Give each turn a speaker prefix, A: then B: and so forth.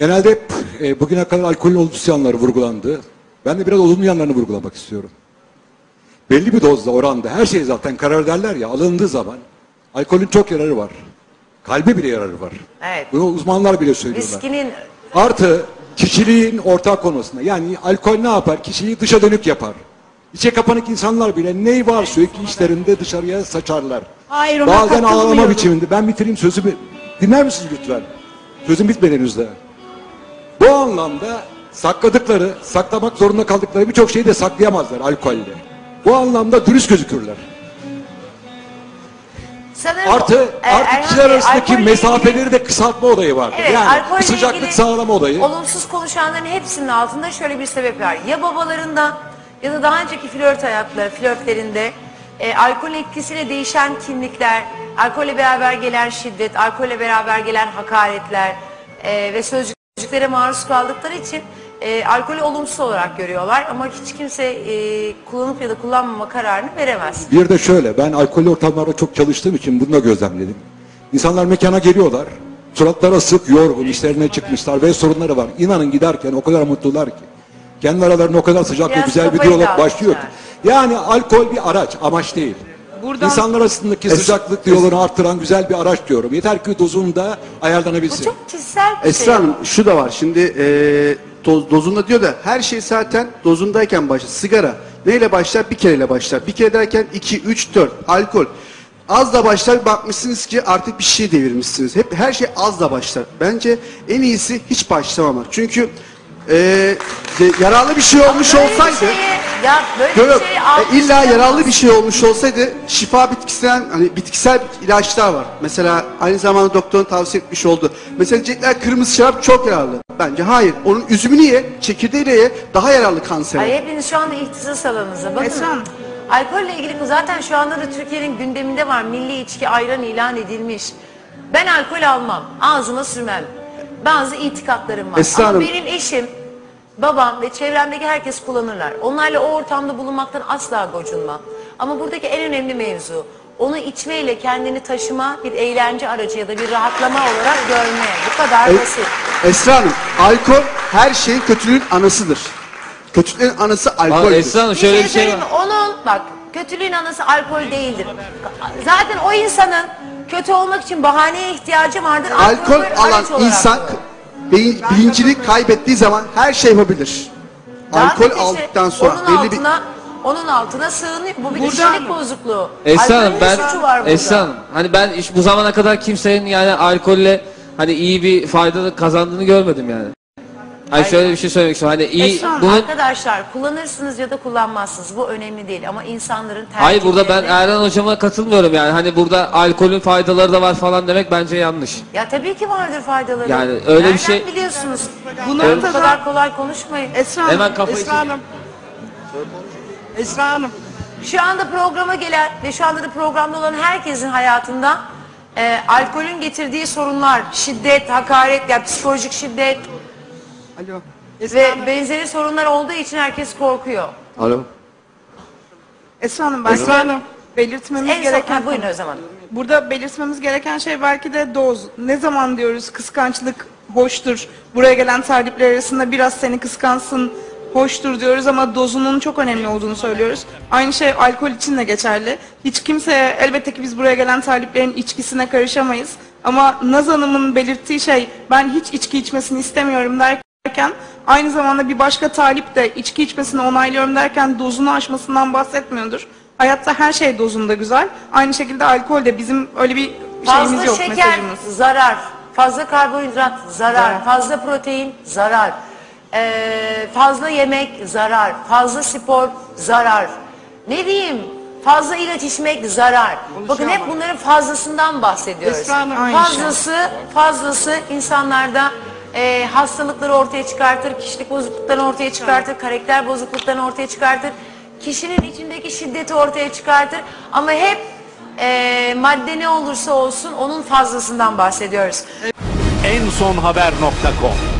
A: Genelde hep bugüne kadar alkolün olumsuz yanları vurgulandı. Ben de biraz olumlu yanlarını vurgulamak istiyorum. Belli bir dozda, oranda her şey zaten karar derler ya, alındığı zaman alkolün çok yararı var. Kalbe bile yararı var.
B: Evet.
A: Bunu uzmanlar bile söylüyorlar.
B: Viskinin...
A: Artı kişiliğin ortak konusunda. Yani alkol ne yapar? Kişiliği dışa dönük yapar. İçe kapanık insanlar bile ney var sürekli içlerinde dışarıya saçarlar.
C: Hayır, ona
A: bazen ağlama
C: katılmıyorum.
A: biçiminde. Ben bitireyim sözümü. Dinler misiniz lütfen? Sözüm bitmeden henüz. Bu anlamda sakladıkları, saklamak zorunda kaldıkları birçok şeyi de saklayamazlar alkolle. Bu anlamda dürüst gözükürler.
B: Sanırım
A: Artı kişiler arasındaki
B: alkolle
A: mesafeleri
B: ilgili...
A: de kısaltma olayı vardır.
B: Evet,
A: Yani
B: alkolle
A: sıcaklık
B: ilgili
A: sağlama olayı.
B: Olumsuz konuşanların hepsinin altında şöyle bir sebep var. Ya babalarından ya da daha önceki flörtlerinde alkol etkisiyle değişen kimlikler, alkolle beraber gelen şiddet, alkolle beraber gelen hakaretler ve sözcüklere maruz kaldıkları için alkolü olumsuz olarak görüyorlar. Ama hiç kimse kullanıp ya da kullanmama kararını veremez.
A: Bir de şöyle, ben alkollü ortamlarda çok çalıştığım için bunu da gözlemledim. İnsanlar mekana geliyorlar, suratları asık, yorgun, işlerine çıkmışlar ve sorunları var. İnanın giderken o kadar mutlular ki. Kendi aralarında o kadar sıcak ve
B: Biraz
A: güzel bir
B: kafayı
A: diyalog başlıyor ki.
B: dağıtmışlar.
A: Yani alkol bir araç, amaç değil.
C: Buradan...
A: İnsanlar arasındaki sıcaklık diyaloğunu arttıran güzel bir araç diyorum. Yeter ki dozunda
B: Bu
A: ayarlanabilsin.
B: çok kişisel bir
D: Esra
B: şey.
D: Hanım şu da var şimdi dozunda diyor da her şey zaten dozundayken başlar. Sigara neyle başlar? Bir kereyle başlar. Bir kere derken 2, 3, 4 alkol. Az da başlar bakmışsınız ki artık bir şey devirmişsiniz. Hep her şey az da başlar. Bence en iyisi hiç başlamamak. Çünkü yararlı bir şey olmuş
B: Ama böyle
D: olsaydı
B: bir şeyi, ya böyle
D: yok,
B: bir şeyi
D: illa yararlı bir şey olmuş olsaydı şifa bitkisinden hani bitkisel ilaçlar var. Mesela aynı zamanda doktorun tavsiye etmiş oldu. Mesela diyecekler kırmızı şarap çok yararlı. Bence hayır. Onun üzümünü ye, çekirdeğiyle ye daha yararlı kansere.
B: Ay, hepiniz şu anda ihtisas alanınızda. Bakın
C: Esra Hanım.
B: alkolle ilgili zaten şu anda da Türkiye'nin gündeminde var. Milli içki ayran ilan edilmiş. Ben alkol almam. Ağzıma sürmem. Bazı itikatlarım var.
D: Esra
B: Ama
D: Hanım.
B: benim eşim, babam ve çevremdeki herkes kullanırlar. Onlarla o ortamda bulunmaktan asla gocunmam. Ama buradaki en önemli mevzu onu içmeyle kendini taşıma, bir eğlence aracı ya da bir rahatlama olarak görme. Bu kadar basit.
D: Esra Hanım, alkol her şeyin kötülüğün anasıdır. Kötülüğün anası alkoldür.
E: Esra Hanım şöyle bir şey var.
B: söyleyeyim mi? Onun bak kötülüğün anası alkol değildir. Zaten o insanın kötü olmak için bahaneye ihtiyacı vardır.
D: Alkol
B: bir
D: alan
B: araç olarak
D: insan
B: kullanır.
D: bilincini kaybettiği zaman her şey yapabilir. Alkol
B: Zaten işte
D: aldıktan sonra
B: onun altına sığınıyor. Bu bir
C: Burada-
B: kişilik bozukluğu.
E: Esra Hanım
B: Alkolün ne suçu var burada?
E: Esra Hanım hani ben bu zamana kadar kimsenin yani alkolle hani iyi bir fayda kazandığını görmedim yani. Hani şöyle bir şey söylemek istiyorum. Hani iyi
C: Esra Hanım,
E: bunun
B: Arkadaşlar kullanırsınız ya da kullanmazsınız. Bu önemli değil ama insanların tercihleri...
E: hayır burada ben Erhan hocama katılmıyorum yani. Hani burada alkolün faydaları da var falan demek bence yanlış.
B: Ya tabii ki vardır faydaları.
E: Yani öyle bir
B: Nereden
E: şey-
B: biliyorsunuz?
C: Bu
B: Bu
C: noktada
B: kadar kolay konuşmayın.
C: Esra Hanım,
E: Hemen kafayı
C: Esra Hanım. Esra Hanım.
B: Şu anda programa gelen ve şu anda da programda olan herkesin hayatında alkolün getirdiği sorunlar, şiddet, hakaret, yani psikolojik şiddet
C: Alo. Esra
B: ve
C: Hanım.
B: benzeri sorunlar olduğu için herkes korkuyor.
D: Alo.
C: Esra Hanım, ben
D: Esra Hanım.
C: belirtmemiz
B: En son,
C: gereken
B: buyurun o zaman.
C: Burada belirtmemiz gereken şey belki de doz. Ne zaman diyoruz kıskançlık hoştur. Buraya gelen talipler arasında biraz seni kıskansın hoştur diyoruz ama dozunun çok önemli olduğunu söylüyoruz. Aynı şey alkol için de geçerli. Hiç kimseye elbette ki biz buraya gelen taliplerin içkisine karışamayız. Ama Naz Hanım'ın belirttiği şey ben hiç içki içmesini istemiyorum derken aynı zamanda bir başka talip de içki içmesini onaylıyorum derken dozunu aşmasından bahsetmiyordur. Hayatta her şey dozunda güzel. Aynı şekilde alkol de bizim öyle bir şeyimiz
B: Fazla
C: yok,
B: şeker
C: mesajımız.
B: zarar, fazla karbonhidrat zarar,
C: Zarar.
B: fazla protein zarar, fazla yemek zarar, fazla spor zarar. Ne diyeyim? Fazla ilaç içmek zarar. Bakın hep bunların fazlasından bahsediyoruz.
C: Esra Hanım, aynı
B: Fazlası insanlarda hastalıkları ortaya çıkartır, kişilik bozukluklarını ortaya çıkartır, karakter bozukluklarını ortaya çıkartır. Kişinin içindeki şiddeti ortaya çıkartır. Ama hep madde ne olursa olsun onun fazlasından bahsediyoruz.
F: ensonhaber.com